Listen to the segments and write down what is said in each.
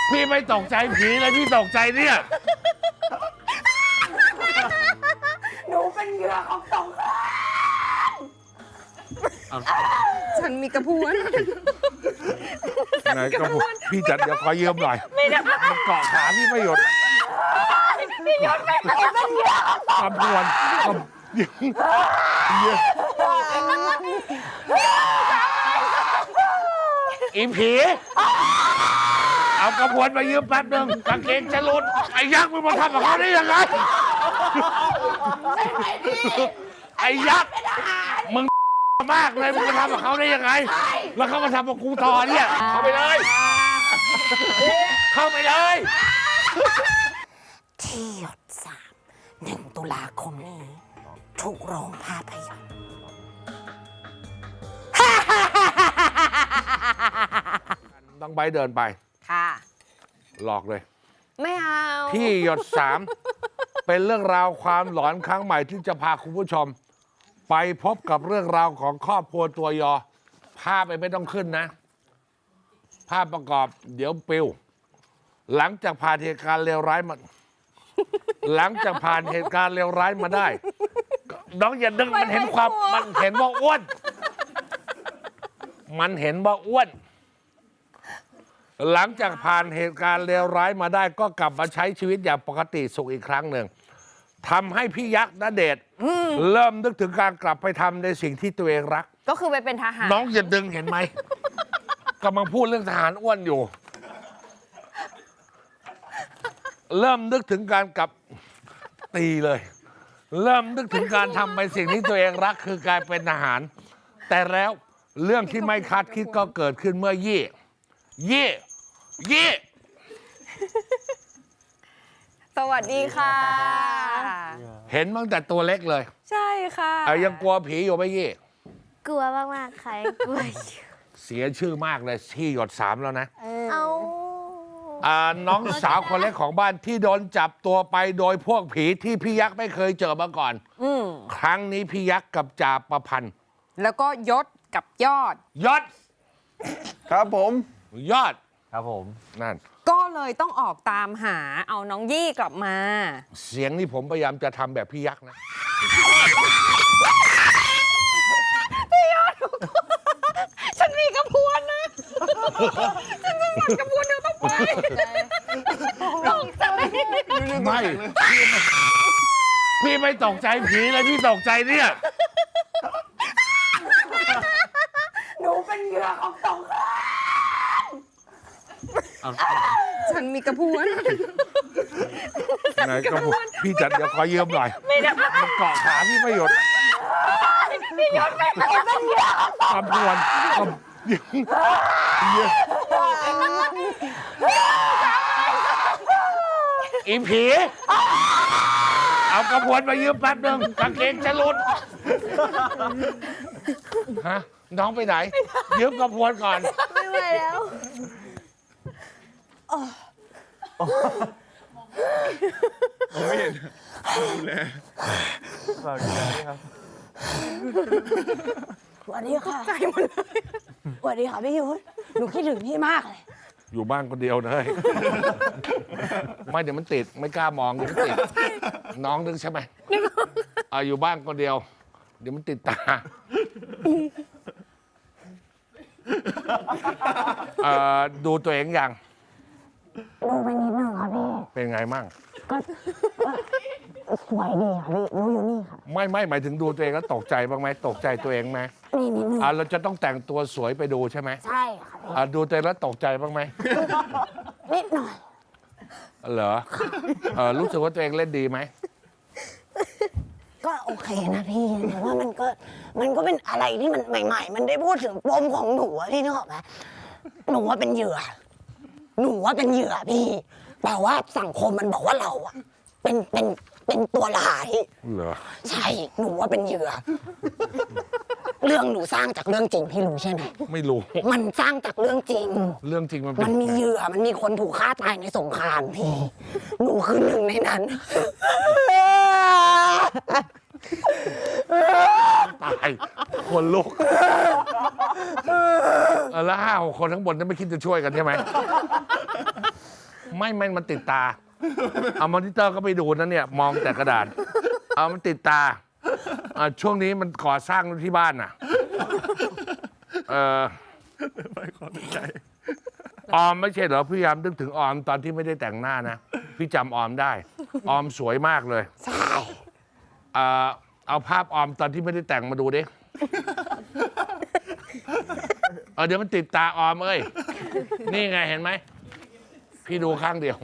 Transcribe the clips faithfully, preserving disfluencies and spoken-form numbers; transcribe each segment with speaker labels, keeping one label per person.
Speaker 1: พี่ไม่ตกใจผีเลยพี่ตกใจเนี่ย
Speaker 2: หนูเป็นเหยื่อของสงคราม
Speaker 3: ฉันมีกระพวน
Speaker 1: ไหนกระพุ้นพี่จัดเดี๋ยวขอยืมหน่อยมันเกาะขาพี่ไม่หยุด
Speaker 2: พี่ยศเป็นเหยื่อก
Speaker 1: ระพวนกระอีผีเอากระพวนมายืมแป๊บนึงกางเกงจะหลุดไอ้ยักษ์มึงมาทำกับเขาได้ยังไงไอ้ยักษ์มึงมากเลยมึงมาทำกับเขาได้ยังไงแล้วเขามาทำกับกูต่อเนี่ยเข้าไปเลยเข้าไปเลย
Speaker 2: ที่หยดสามหนึ่งตุลาคมนี้ทุกโรงภาพยนตร์
Speaker 1: ต้องใบเดินไป
Speaker 3: ค่ะ
Speaker 1: หลอกเลย
Speaker 3: ไม่เอา
Speaker 1: ที่หยดสามเป็นเรื่องราวความหลอนครั้งใหม่ที่จะพาคุณผู้ชม ไปพบกับเรื่องราวของครอบครัวตัวยอภาพไปไม่ต้องขึ้นนะ ภาพประกอบเดี๋ยวปิวหลังจากผ่านเหตุการณ์เลวร้ายมาหลังจากผ่านเหตุการณ์เลวร้ายมาได้น้องอย่าดึงมันเห็นความมันเห็นว่าอ้วนมันเห็นว่าอ้วนหลังจากผ่านเหตุการณ์เลวร้ายมาได้ก็กลับมาใช้ชีวิตอย่างปกติสุขอีกครั้งหนึ่งทำให้พี่ยักษ์ณเดชน์เริ่มนึกถึงการกลับไปทำในสิ่งที่ตัวเองรัก
Speaker 3: ก็คือไปเป็นทหาร
Speaker 1: น้องอย่าดึงเห็นไหมกำลังพูดเรื่องทหารอ้วนอยู่ เริ่มนึกถึงการกลับตีเลย เริ่มนึกถึงการทำในสิ่งที่ตัวเองรักคือการเป็นทหาร แต่แล้วเรื่องที่ไม่คาดคิดก็เกิดขึ้นเมื่อยี่ยี่ยี่
Speaker 3: สวัสดีค่ะ
Speaker 1: เห็นตั้งแต่ตัวเล็กเลย
Speaker 3: ใช่ค่ะ
Speaker 1: ยังกลัวผีอยู่ไหมยี่
Speaker 4: กลัวมากๆค่ะกลัว
Speaker 1: เสียชื่อมากเลยที่หยดสามแล้วนะ
Speaker 4: เอา
Speaker 1: น้องสาวคนเล็กของบ้านที่โดนจับตัวไปโดยพวกผีที่พี่ยักษ์ไม่เคยเจอมาก่อน
Speaker 3: อ
Speaker 1: ครั้งนี้พี่ยักษ์กับจ่าประพันธ์
Speaker 3: แล้วก็ยศกับยอด
Speaker 1: ยศ
Speaker 5: ครับผม
Speaker 1: ยอด
Speaker 5: ครับผม
Speaker 1: นั่น
Speaker 3: ก็เลยต้องออกตามหาเอาน้องยี่กลับมา
Speaker 1: เสียงนี่ผมพยายามจะทำแบบพี่ยักษ์นะ
Speaker 3: พี่ยอดฉันมีกระพวนนะฉันจะหมดกระพวนเดี๋ยวต้องไปตกใจ
Speaker 1: ไม่พี่ไม่ตกใจผีเลยพี่ตกใจเนี่ย
Speaker 2: หนูเป็นเหยื่อของสงคราม
Speaker 3: ฉันมีกระพวน
Speaker 1: ไหนกระพวนพี่จัดเดี๋ยวขอยืมหน่อยมันเกาะขาพี่ไม่หยุด
Speaker 2: พี่ยศเป็นเหยื่อก
Speaker 1: ระพวนกระอีผีเอากระพวนมายืมแป๊บนึงกางเกงจะหลุดฮะน้องไปไหนยืมกระพวนก่อน
Speaker 4: ไม่ไหวแล้ว
Speaker 5: ไม่เห็นดูแลฝากดูแลด้วยครับ
Speaker 2: สวัสดีค่ะใจหมดเลยสวัสดีค่ะพี่ยุทธหนูคิดถึงพี่มากเลย
Speaker 1: อยู่บ้านคนเดียวเลยไม่เดี๋ยวมันติดไม่กล้ามองเดี๋ยวมันติดน้องนึกใช่ไหมอ่าอยู่บ้านคนเดียวเดี๋ยวมันติดตาเอ่อดูตัวเองยัง
Speaker 2: ดูไปนิดนึงค่ะพี่
Speaker 1: เป็นไงมั่ง
Speaker 2: ก็สวยดีค่ะพี่รู้อยู่นี่ค่ะ
Speaker 1: ไม่ไม่หมายถึงดูตัวเองแล้วตกใจบ้างไหมตกใจตัวเองไหม
Speaker 2: นี่นิดนึง
Speaker 1: อ่าเราจะต้องแต่งตัวสวยไปดูใช่ไหม
Speaker 2: ใช่ค่ะ
Speaker 1: อ่าดูตัวเองแล้วตกใจบ้างไหม
Speaker 2: นิดหน่อย
Speaker 1: เหรอเออรู้สึกว่าตัวเองเล่นดีไหม
Speaker 2: ก็โอเคนะพี่แต่ว่ามันก็มันก็เป็นอะไรที่มันใหม่ๆมันได้พูดถึงปมของหนูอะพี่นึกออกไหมหนูว่าเป็นเหยื่อหนูว่าเป็นเหยื่อพี่แต่ว่าสังคมมันบอกว่าเราอะเป็นเป็นเป็นตัวร้าย
Speaker 1: เหรอ
Speaker 2: ใช่หนูว่าเป็นเหยื่อเรื่องหนูสร้างจากเรื่องจริงพี่รู้ใช่ไหม
Speaker 1: ไม่รู้
Speaker 2: มันสร้างจากเรื่องจริง
Speaker 1: เรื่องจริงมัน
Speaker 2: มันมีเหยื่อมันมีคนถูกฆ่าตายในสงครามพี่หนูคือหนึ่งในนั้น
Speaker 1: ตายคนลุกเออแล้วห้าหกคนทั้งบนจะไม่คิดจะช่วยกันใช่ไหมไม่ไม่มันติดตา เอามอนิเตอร์ก็ไปดูนะเนี่ย มองแต่กระดาษ เอามันติดตาอ่ะช่วงนี้มันก่อสร้างที่บ้านน่ะเออ
Speaker 5: ไปขอใจ
Speaker 1: ออมไม่ใช่เหรอพยายามนึกถึงออมตอนที่ไม่ได้แต่งหน้านะ พี่จำออมได้ ออมสวยมากเลย
Speaker 2: ใช่
Speaker 1: เอ่อเอาภาพออมตอนที่ไม่ได้แต่งมาดูดิเออเดี๋ยวมันติดตาออมเอ้ย นี่ไงเห็นไหม พี่ดูข้างเดียว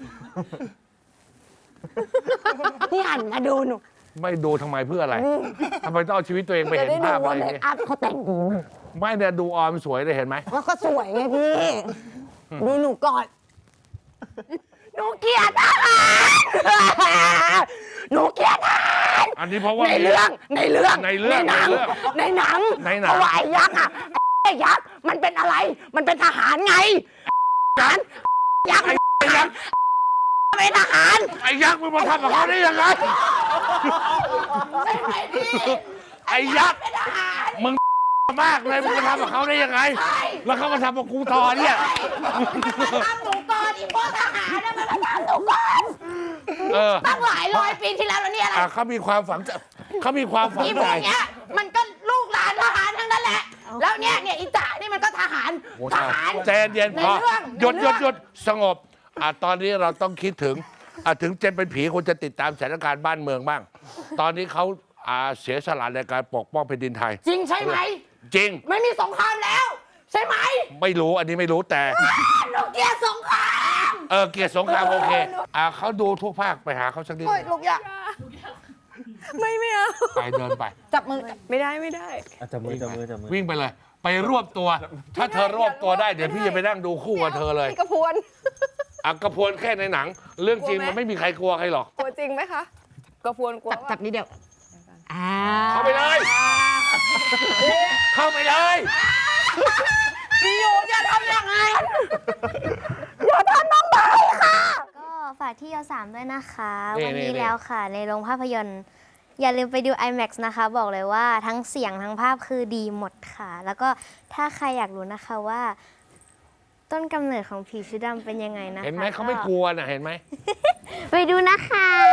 Speaker 2: พี่หันมาดูหนู
Speaker 1: ไม่ดูทำไมเพื่ออะไรทำไมต้องเอาชีวิตตัวเองไป
Speaker 2: จะ
Speaker 1: เห็น
Speaker 2: ได้ดู
Speaker 1: ภาพอะ
Speaker 2: ว่า
Speaker 1: ไร
Speaker 2: เม
Speaker 1: อย่าง
Speaker 2: ค
Speaker 1: เงี้ย
Speaker 2: อัพเขาแต่งดีมาก
Speaker 1: ไม่เนี่ยดูออมสวยเลยเห็นไหม
Speaker 2: แล้วก็สวยไงพี่ ดูหนูก่อน หนูเกลียดอาหารหนูเกลียดอาหาร
Speaker 1: อันนี้เพราะว่า
Speaker 2: ในเรื่องในเรื่อง
Speaker 1: ในเรื่อง
Speaker 2: หนั
Speaker 1: ในเรื่อง
Speaker 2: ในหนัง
Speaker 1: ในหนัง
Speaker 2: เพราะว่าไอ้ยักษ์อ่ะไอ้ยักษ์มันเป็นอะไร มันเป็นทหารไงทหารยักษ์
Speaker 1: ไอ้ยักษ์
Speaker 2: เป็นทหาร
Speaker 1: ไอ้ยักษ์มึงมาทำกับเขาได้ยังไง
Speaker 2: ใช่ไหมพี่
Speaker 1: ไอ้ยักษ์
Speaker 2: เป็นทหาร
Speaker 1: มึงมากเลยมึงมาทำกับเขาได้ยังไง แล้วเขามาทำกับกูต่อเนี่ย
Speaker 2: มันทำหนูก่อนอีพวกทหารน่ะมันมาทำหนูก่อน
Speaker 1: เออ
Speaker 2: ตั้งหลายร้อยปีที่แล้วแล้วเนี่ยอะไร
Speaker 1: อ่ะเขามีความฝังใจเขามีความฝัง
Speaker 2: อีพ
Speaker 1: ใจ
Speaker 2: วกเนี้ยมันก็ลูกหลานทหารทั้งนั้นแหละ แล้วเนี่ยเนี่ยอีจ่านี่มันก็ทหาร
Speaker 1: โอ้
Speaker 2: ท
Speaker 1: ตาย
Speaker 2: หาร
Speaker 1: ใจเย็นๆพอ
Speaker 2: ในเรื่อง
Speaker 1: หยุด
Speaker 2: ใน
Speaker 1: หยุด
Speaker 2: เรื่อง
Speaker 1: หยุดสงบอ่ะตอนนี้เราต้องคิดถึงอ่ะถึงเจนเป็นผีควรจะติดตามสถานการณ์บ้านเมืองบ้าง ตอนนี้เขาอ่าเสียสละในการปกป้องแผ่นดินไทย
Speaker 2: จริงใช่ไหม
Speaker 1: จริง
Speaker 2: ไม่มีสงครามแล้ว ใช่ไหม
Speaker 1: ไม่รู้อันนี้ไม่รู้แต่
Speaker 2: หนูเกลียดสงคราม
Speaker 1: เออเกียรติสงครามโอเคอ่ะเขาดูทุกภาคไปหาเขาสักนิด
Speaker 2: โอ้ยลูกอยาก
Speaker 3: ไม่ไม่เอา
Speaker 1: ไปเดินไป
Speaker 2: จับมือ
Speaker 3: ไม่ได้ไม่ได้
Speaker 5: จับมือจับมือจับมือ
Speaker 1: วิ่งไปเลย ไปรวบตัว ถ้าเธอรวบตัวได้เดี๋ยวพี่จะไปนั่งดูคู่กับเธอเลย
Speaker 3: พี่กระพวน
Speaker 1: อ่ะกระพวนแค่ในหนัง เรื่องจริงมันไม่มีใครกลัวใครหรอก
Speaker 3: กลัวจริงไหมคะ กระพวนกลัว
Speaker 2: จับจับนิดเดียวอ่า
Speaker 1: เข้าไปเลย เข้าไปเลย
Speaker 2: พี่อยู่อย่าทำอย่างนั้นอย่าทำน้องใบค่ะ
Speaker 4: ก็ฝากที่ยสามด้วยนะคะ
Speaker 1: นี่
Speaker 4: วัน
Speaker 1: นี่
Speaker 4: นี้
Speaker 1: นี่
Speaker 4: แล้วค่ะ ในโรงภาพยนตร์ อย่าลืมไปดู ไอแม็กซ์ นะคะ บอกเลยว่าทั้งเสียงทั้งภาพคือดีหมดค่ะ แล้วก็ถ้าใครอยากรู้นะคะว่า ต้นกำเนิดของผีชุดดำเป็นยังไงนะคะ
Speaker 1: เห็นไหมเขาไม่กลัวน่ะเห็นไหม
Speaker 4: ไปดูนะคะ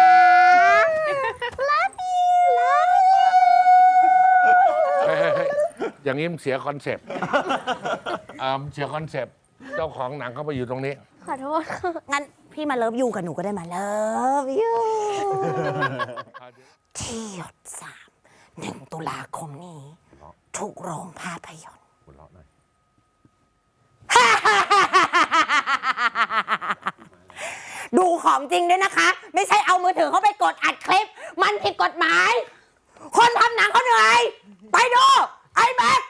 Speaker 4: Love you Love you
Speaker 1: เฮ้ยเฮ้ยเฮ้ยอย่างนี้มันเสียคอนเซปต์อ่ามันเสียคอนเซปต์เจ้าของหนังเขาไปอยู่ตรงนี้
Speaker 4: ขอโทษค่ะ
Speaker 2: งั้นพี่มาเลิฟยูกับหนูก็ได้มาเลิฟยูที่หยดสามหนึ่งตุลาคมนี้ ทุกโรงภาพยนตร์ ดูของจริงด้วยนะคะ ไม่ใช่เอามือถือเข้าไปกดอัดคลิป มันผิดกฎหมาย คนทำหนังเขาเหนื่อย ไปดู ไอแม็ก